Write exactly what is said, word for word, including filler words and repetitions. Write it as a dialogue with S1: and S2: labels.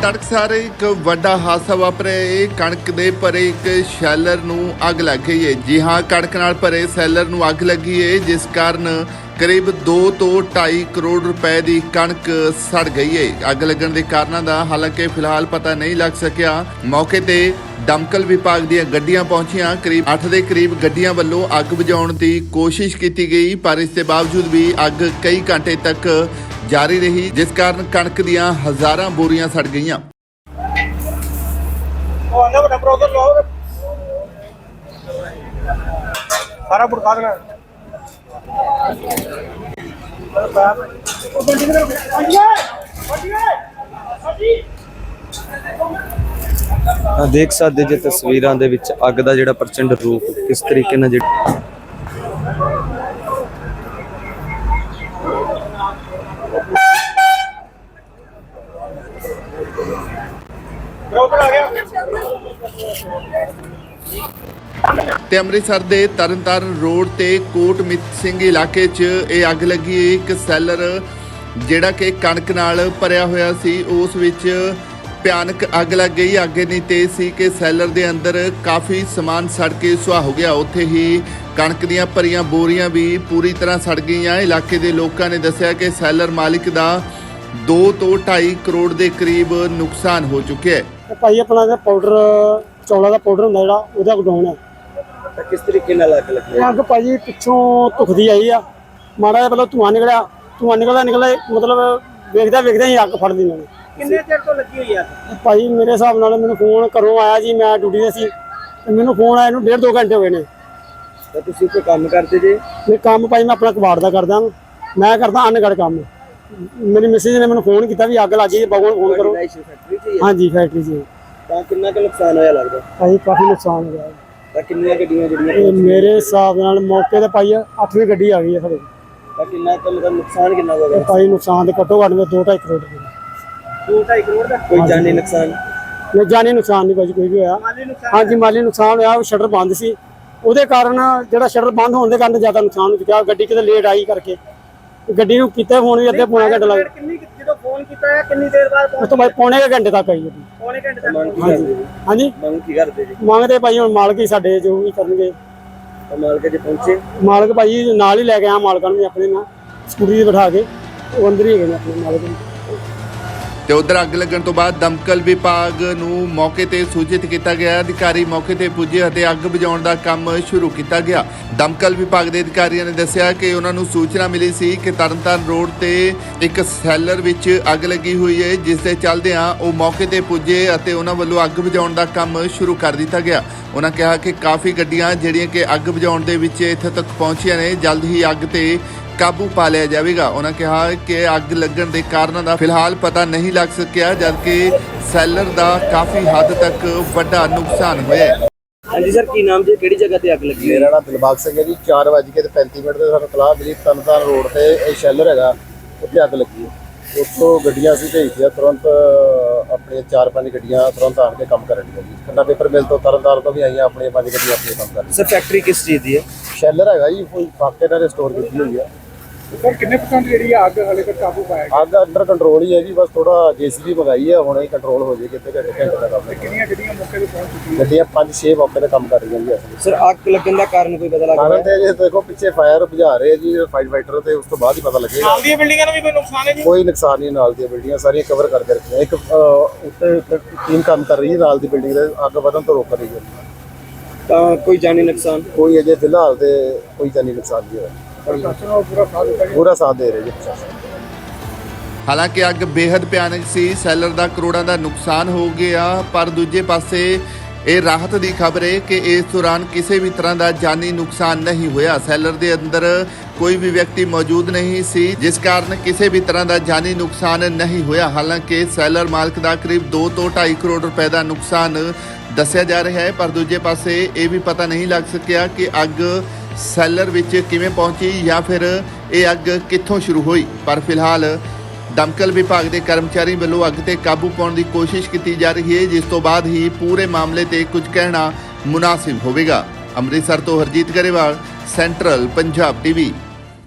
S1: तड़कसार एक वड्डा हादसा वापरिਆ है। कणक दे भरे एक शैलर नूं अग लग गई है। जी हाँ, कणक नाल भरे सैलर नूं अग लगी है, जिस कारण करीब दो तो ढाई करोड़ रुपए की कणक सड़ गई है। अग लगन के कारणों का हालांकि फिलहाल पता नहीं लग सकिया। मौके ते दमकल विभाग ਦੀਆਂ ਗੱਡੀਆਂ पहुंचियां। करीब अठ के करीब ਗੱਡੀਆਂ ਵੱਲੋਂ अग बुझाउण की कोशिश की गई, पर इसके बावजूद भी अग कई घंटे तक जारी रही, जिस कारण कणक ਦੀਆਂ हज़ारां बोरियां सड़ गईयां।
S2: सारा बुड़का देना
S3: देख सकते जे तस्वीरां दे विच अग दा जिहड़ा प्रचंड रूप किस तरीके नाल जिहड़ा
S1: ਤੇ ਅੰਮ੍ਰਿਤਸਰ ਦੇ ਤਰਨਤਾਰਨ ਰੋਡ ਤੇ ਕੋਟ ਮਿੱਤ ਸਿੰਘ ਇਲਾਕੇ 'ਚ ਇਹ ਅੱਗ ਲੱਗੀ। ਇੱਕ ਸੈਲਰ ਜਿਹੜਾ ਕਿ ਕਣਕ ਨਾਲ ਭਰਿਆ ਹੋਇਆ ਸੀ, ਉਸ ਵਿੱਚ ਭਿਆਨਕ ਅੱਗ ਲੱਗ ਗਈ। ਅੱਗ ਇੰਨੀ ਤੇਜ਼ ਸੀ ਕਿ ਸੈਲਰ ਦੇ ਅੰਦਰ ਕਾਫੀ ਸਮਾਨ ਸੜ ਕੇ ਸੁਆਹ ਹੋ ਗਿਆ। ਉੱਥੇ ਹੀ ਕਣਕ ਦੀਆਂ ਭਰੀਆਂ ਬੋਰੀਆਂ ਵੀ ਪੂਰੀ ਤਰ੍ਹਾਂ ਸੜ ਗਈਆਂ। ਇਲਾਕੇ ਦੇ ਲੋਕਾਂ ਨੇ ਦੱਸਿਆ ਕਿ ਸੈਲਰ ਮਾਲਿਕ ਦਾ ਦੋ ਤੋਂ ਢਾਈ ਕਰੋੜ ਦੇ ਕਰੀਬ ਨੁਕਸਾਨ ਹੋ ਚੁੱਕਿਆ ਹੈ।
S2: ਭਾਈ ਆਪਣਾ ਦਾ ਪਾਊਡਰ ਚੌਲਾਂ ਦਾ ਪਾਊਡਰ ਹੁੰਦਾ ਜਿਹੜਾ ਉਹਦਾ ਗਡਾਉਣ ਹੈ।
S3: ਤਾਂ ਕਿਸ ਤਰੀਕੇ ਨਾਲ ਅੱਗ ਲੱਗੀ?
S2: ਇਹ ਅੱਗ ਭਾਜੀ ਪਿੱਛੋਂ ਧੁਖਦੀ ਆਈ ਆ, ਮਾੜਾ ਜਿਹਾ ਪਹਿਲਾਂ ਧੂੰਆਂ ਨਿਕਲਿਆ, ਧੂੰਆਂ ਨਿਕਲਦਾ ਨਿਕਲਦਾ ਮਤਲਬ ਵੇਖਦਾ ਵੇਖਦਾ ਹੀ ਅੱਗ ਫੜ ਲਈ ਮੈਨੂੰ।
S4: ਕਿੰਨੇ ਚਿਰ ਤੋਂ ਲੱਗੀ ਹੋਈ ਆ?
S2: ਭਾਈ ਮੇਰੇ ਹਿਸਾਬ ਨਾਲ ਮੈਨੂੰ ਫੋਨ ਘਰੋਂ ਆਇਆ ਜੀ, ਮੈਂ ਡਿਊਟੀ ਤੇ ਸੀ ਤੇ ਮੈਨੂੰ ਫੋਨ ਆਇਆ ਨੂੰ ਡੇਢ ਦੋ ਘੰਟੇ ਹੋ ਗਏ ਨੇ।
S3: ਤਾਂ ਤੁਸੀਂ ਕੋਈ ਕੰਮ ਕਰਦੇ ਜੇ?
S2: ਇਹ ਕੰਮ ਭਾਈ ਮੈਂ ਆਪਣਾ ਕਬਾੜ ਦਾ ਕਰਦਾ, ਮੈਂ ਕਰਦਾ ਅਨਗੜ ਕੰਮ। ਮੇਰੀ ਮਿਸਿਸ ਨੇ ਮੈਨੂੰ ਫੋਨ ਕੀਤਾ ਵੀ ਅੱਗ ਲੱਗ ਗਈ, ਬਗੋਂ ਫੋਨ ਕਰੋ। ਹਾਂਜੀ ਫੈਕਟਰੀ 'ਚ।
S3: ਤਾਂ ਕਿੰਨਾ ਕੁ ਨੁਕਸਾਨ ਹੋਇਆ ਲੱਗਦਾ?
S2: ਭਾਈ ਕਾਫੀ ਨੁਕਸਾਨ ਹੋ ਗਿਆ।
S3: ਤਾਂ ਕਿੰਨੀਆਂ ਗੱਡੀਆਂ ਜਿਹੜੀਆਂ
S2: ਇਹ ਮੇਰੇ ਹਿਸਾਬ ਨਾਲ ਮੌਕੇ ਤੇ ਪਾਈ ਅੱਠਵੀਂ ਗੱਡੀ ਆ ਗਈ ਹੈ ਸਾਡੇ।
S3: ਤਾਂ ਕਿੰਨਾ ਕੁ ਮਤਲਬ ਨੁਕਸਾਨ ਕਿੰਨਾ ਹੋ
S2: ਇਹ
S3: ਗਿਆ?
S2: ਭਾਈ ਨੁਕਸਾਨ ਦੇ ਘੱਟੋ ਘੱਟ ਦੋ ਢਾਈ ਕਰੋੜ ਰੁਪਏ।
S4: ਦੋ ਢਾਈ ਕਰੋੜ ਦਾ
S3: ਕੋਈ ਜਾਨੀ ਨੁਕਸਾਨ?
S2: ਨਹੀਂ, ਜਾਨੀ ਨੁਕਸਾਨ ਨਹੀਂ ਭਾਜੀ ਕੋਈ ਵੀ ਹੋਇਆ।
S4: ਮਾਲੀ ਨੁਕਸਾਨ?
S2: ਹਾਂਜੀ ਮਾਲੀ ਨੁਕਸਾਨ ਹੋਇਆ। ਉਹ ਸ਼ਟਰ ਬੰਦ ਸੀ, ਉਹਦੇ ਕਾਰਨ ਜਿਹੜਾ ਸ਼ਟਰ ਬੰਦ ਹੋਣ ਦੇ ਕਾਰਨ ਜ਼ਿਆਦਾ ਨੁਕਸਾਨ ਹੋ ਚੁੱਕਿਆ। ਗੱਡੀ ਕਿਤੇ ਲੇਟ ਆਈ ਕਰਕੇ ਗੱਡੀ ਨੂੰ ਕੀਤਾ ਫੋਨ ਵੀ ਅੱਧੇ ਪੌਣਾ ਘੰਟਾ ਲੱਗ
S4: ਕਿੰਨੀ ਜਦੋਂ ਫੋਨ ਕੀਤਾ ਹੈ ਕਿੰਨੀ ਦੇਰ ਬਾਅਦ
S2: ਉਸ ਤੋਂ ਬਾਅਦ ਪੌਣੇ ਕੁ ਘੰਟੇ ਤੱਕ ਆਈ ਗੱਡੀ।
S4: ਪੌਣੇ ਘੰਟੇ ਤੱਕ?
S2: ਹਾਂਜੀ ਹਾਂਜੀ
S3: ਮੰਗ ਕੀ ਕਰਦੇ ਜੀ?
S2: ਮੰਗਦੇ ਭਾਈ ਹੁਣ ਮਾਲਕ ਹੀ ਸਾਡੇ ਜੋ ਵੀ ਕਰਨਗੇ।
S3: ਤਾਂ ਮਾਲਕ ਜੇ ਪਹੁੰਚੇ?
S2: ਮਾਲਕ ਭਾਈ ਨਾਲ ਹੀ ਲੈ ਕੇ ਆਇਆ ਮਾਲਕਾਂ ਨੂੰ ਵੀ ਆਪਣੇ ਨਾਲ ਸਕੂਟਰੀ ਤੇ ਬਿਠਾ ਕੇ, ਉਹ ਅੰਦਰ ਹੀ ਹੈਗੇ ਨੇ ਆਪਣੇ ਮਾਲਕ ਨੂੰ।
S1: ਤੇ ਉਧਰ ਅੱਗ ਲੱਗਣ ਤੋਂ ਬਾਅਦ ਦਮਕਲ ਵਿਭਾਗ ਨੂੰ ਮੌਕੇ ਤੇ ਸੂਚਿਤ ਕੀਤਾ ਗਿਆ। ਅਧਿਕਾਰੀ ਮੌਕੇ ਤੇ ਪੁੱਜੇ ਅਤੇ ਅੱਗ ਬੁਝਾਉਣ ਦਾ ਕੰਮ ਸ਼ੁਰੂ ਕੀਤਾ ਗਿਆ। ਦਮਕਲ ਵਿਭਾਗ ਦੇ ਅਧਿਕਾਰੀਆਂ ਨੇ ਦੱਸਿਆ ਕਿ ਉਹਨਾਂ ਨੂੰ ਸੂਚਨਾ ਮਿਲੀ ਸੀ ਕਿ ਤਰਨਤਾਰਨ ਰੋਡ ਤੇ ਇੱਕ ਸੈਲਰ ਵਿੱਚ ਅੱਗ ਲੱਗੀ ਹੋਈ ਹੈ, ਜਿਸ ਦੇ ਚੱਲਦਿਆਂ ਉਹ ਮੌਕੇ ਤੇ ਪੁੱਜੇ ਅਤੇ ਉਹਨਾਂ ਵੱਲੋਂ ਅੱਗ ਬੁਝਾਉਣ ਦਾ ਕੰਮ ਸ਼ੁਰੂ ਕਰ ਦਿੱਤਾ ਗਿਆ। ਉਹਨਾਂ ਕਿਹਾ ਕਿ ਕਾਫੀ ਗੱਡੀਆਂ ਜਿਹੜੀਆਂ ਕਿ ਅੱਗ ਬੁਝਾਉਣ ਦੇ ਵਿੱਚ ਇੱਥੇ ਤੱਕ ਪਹੁੰਚੀਆਂ ਨੇ, ਜਲਦ ਹੀ ਅੱਗ ਤੇ ਕਾਬੂ ਪਾ ਲਿਆ ਜਾਵੇਗਾ। ਉਹਨਾਂ ਕਿਹਾ ਕਿ ਅੱਗ ਲੱਗਣ ਦੇ ਕਾਰਨਾਂ ਦਾ ਫਿਲਹਾਲ ਪਤਾ ਨਹੀਂ ਲੱਗ ਸਕਿਆ, ਜਦਕਿ ਸੈਲਰ ਦਾ ਕਾਫੀ ਹੱਦ ਤੱਕ ਵੱਡਾ ਨੁਕਸਾਨ ਹੋਇਆ ਹੈ।
S3: ਹਾਂਜੀ ਸਰ, ਕੀ ਨਾਮ ਜੀ? ਕਿਹੜੀ ਜਗ੍ਹਾ ਤੇ ਅੱਗ ਲੱਗੀ?
S5: ਮੇਰਾ ਨਾਮ ਦਿਲਬਾਗ ਸਿੰਘ ਹੈ ਜੀ। ਚਾਰ ਵੱਜ ਕੇ ਤੇ ਪੈਂਤੀ ਮਿੰਟ ਤੇ ਸਾਨੂੰ ਤਲਾਹ ਮਿਲੀ ਤਰਨਤਾਰਨ ਰੋਡ ਤੇ ਇਹ ਸ਼ੈਲਰ ਹੈਗਾ, ਉੱਥੇ ਅੱਗ ਲੱਗੀ ਹੈ। ਉੱਥੋਂ ਗੱਡੀਆਂ ਅਸੀਂ ਭੇਜੀਆਂ ਤੁਰੰਤ, ਆਪਣੀਆਂ ਚਾਰ ਪੰਜ ਗੱਡੀਆਂ ਤੁਰੰਤ ਆਣ ਕੇ ਕੰਮ ਕਰਨ ਦੀਆਂ ਜੀ। ਖੰਨਾ ਪੇਪਰ ਮਿਲ ਤੋਂ ਤਰਨਤਾਰਨ ਤੋਂ ਵੀ ਆਈਆਂ, ਆਪਣੀਆਂ ਪੰਜ ਗੱਡੀਆਂ ਆਪਣੇ ਕੰਮ ਕਰ ਰਹੀਆਂ।
S3: ਸਰ ਫੈਕਟਰੀ ਕਿਸ ਚੀਜ਼ ਦੀ ਹੈ?
S5: ਸ਼ੈਲਰ ਹੈਗਾ ਜੀ, ਕੋਈ ਫਾਕੇ ਨਾਲ ਸਟੋਰ ਕੀਤੀ ਹੋਈ ਆ।
S2: ਸਰ ਕਿੰਨੇ ਪਰਸੈਂਟ ਜਿਹੜੀ ਅੱਗ ਹਲੇ ਤੱਕ ਕਾਬੂ ਪਾਇਆ?
S5: ਅੱਗ ਅੰਡਰ ਕੰਟਰੋਲ ਹੀ ਹੈ ਜੀ, ਬਸ ਥੋੜਾ ਜੇਸੀਬੀ ਮੰਗਾਈ ਹੈ, ਹੁਣੇ ਹੀ ਕੰਟਰੋਲ ਹੋ ਜੇ ਕਿਤੇ ਘੰਟੇ ਘੰਟੇ ਦਾ ਕੰਮ ਹੈ।
S2: ਕਿੰਨੀਆਂ ਗੱਡੀਆਂ ਮੌਕੇ ਤੇ ਪਹੁੰਚ ਚੁੱਕੀਆਂ?
S5: ਗੱਡੀਆਂ ਪੰਜ ਛੇ ਮੌਕੇ ਤੇ ਕੰਮ ਕਰ ਰਹੀਆਂ ਜੀ। ਅਸੀਂ
S3: ਸਰ ਅੱਗ ਲੱਗਣ ਦਾ ਕਾਰਨ ਕੋਈ ਪਤਾ
S5: ਕਾਰਨ
S3: ਲੱਗਾ?
S5: ਤੇ ਜੇ ਦੇਖੋ ਪਿੱਛੇ ਫਾਇਰ ਬੁਝਾ ਰਹੇ ਜੀ ਫਾਈਟ ਫਾਈਟਰ, ਤੇ ਉਸ ਤੋਂ ਬਾਅਦ ਹੀ ਪਤਾ ਲੱਗੇਗਾ।
S4: ਨਾਲ ਦੀਆਂ ਬਿਲਡਿੰਗਾਂ ਨੂੰ ਵੀ ਕੋਈ ਨੁਕਸਾਨ ਹੈ ਜੀ?
S5: ਕੋਈ ਨੁਕਸਾਨ ਨਹੀਂ, ਨਾਲ ਦੀਆਂ ਬਿਲਡਿੰਗਾਂ ਸਾਰੀਆਂ ਕਵਰ ਕਰਕੇ ਰੱਖੀਆਂ। ਇੱਕ ਉੱਤੇ ਟੀਮ ਕੰਮ ਕਰ ਰਹੀ ਹੈ ਨਾਲ ਦੀ ਬਿਲਡਿੰਗ ਦੇ, ਅੱਗ ਵਧਣ ਤੋਂ ਰੋਕ ਰਹੀ ਹੈ।
S3: ਤਾਂ ਕੋਈ ਜਾਨੀ ਨੁਕਸਾਨ?
S5: ਕੋਈ ਅਜੇ ਫਿਲਹਾਲ ਤੇ ਕੋਈ ਜਾਨੀ ਨੁਕਸਾਨ ਨਹੀਂ ਹੋਇਆ। ਪੂਰਾ ਸਾਥ ਦੇ ਰਹੇ ਜੀ ਪ੍ਰਸ਼ਾਸਨ।
S1: ਹਾਲਾਂਕਿ ਅੱਗ ਬੇहद ਭਿਆਨਕ ਸੀ, ਸੈਲਰ ਦਾ ਕਰੋੜਾਂ ਦਾ ਨੁਕਸਾਨ ਹੋ ਗਿਆ, ਪਰ ਦੂਜੇ ਪਾਸੇ ਇਹ ਰਾਹਤ ਦੀ ਖਬਰ ਹੈ ਕਿ ਇਸ ਦੌਰਾਨ ਕਿਸੇ ਵੀ ਤਰ੍ਹਾਂ ਦਾ ਜਾਨੀ ਨੁਕਸਾਨ ਨਹੀਂ ਹੋਇਆ। ਸੈਲਰ ਦੇ ਅੰਦਰ ਕੋਈ ਵੀ ਵਿਅਕਤੀ ਮੌਜੂਦ ਨਹੀਂ ਸੀ, ਜਿਸ ਕਾਰਨ ਕਿਸੇ ਵੀ ਤਰ੍ਹਾਂ ਦਾ ਜਾਨੀ ਨੁਕਸਾਨ ਨਹੀਂ ਹੋਇਆ। ਹਾਲਾਂਕਿ ਸੈਲਰ ਮਾਲਕ ਦਾ ਕਰੀਬ ਦੋ ਤੋਂ ਢਾਈ ਕਰੋੜ ਰੁਪਏ ਦਾ ਨੁਕਸਾਨ ਦੱਸਿਆ ਜਾ ਰਿਹਾ ਹੈ, ਪਰ ਦੂਜੇ ਪਾਸੇ ਇਹ ਵੀ ਪਤਾ ਨਹੀਂ ਲੱਗ ਸਕਿਆ ਕਿ ਅੱਗ ਸੈਲਰ ਵਿੱਚ ਕਿਵੇਂ ਪਹੁੰਚੀ ਜਾਂ ਫਿਰ ਇਹ ਅੱਗ ਕਿੱਥੋਂ ਸ਼ੁਰੂ ਹੋਈ। ਪਰ ਫਿਲਹਾਲ ਦਮਕਲ ਵਿਭਾਗ ਦੇ ਕਰਮਚਾਰੀ ਵੱਲੋਂ ਅੱਗ ਤੇ ਕਾਬੂ ਪਾਉਣ ਦੀ ਕੋਸ਼ਿਸ਼ ਕੀਤੀ ਜਾ ਰਹੀ ਹੈ, ਜਿਸ ਤੋਂ ਬਾਅਦ ਹੀ ਪੂਰੇ ਮਾਮਲੇ ਤੇ ਕੁਝ ਕਹਿਣਾ ਮੁਨਾਸਿਬ ਹੋਵੇਗਾ। ਅੰਮ੍ਰਿਤਸਰ ਤੋਂ ਹਰਜੀਤ ਗਰੇਵਾਲ, ਸੈਂਟਰਲ ਪੰਜਾਬ ਟੀਵੀ।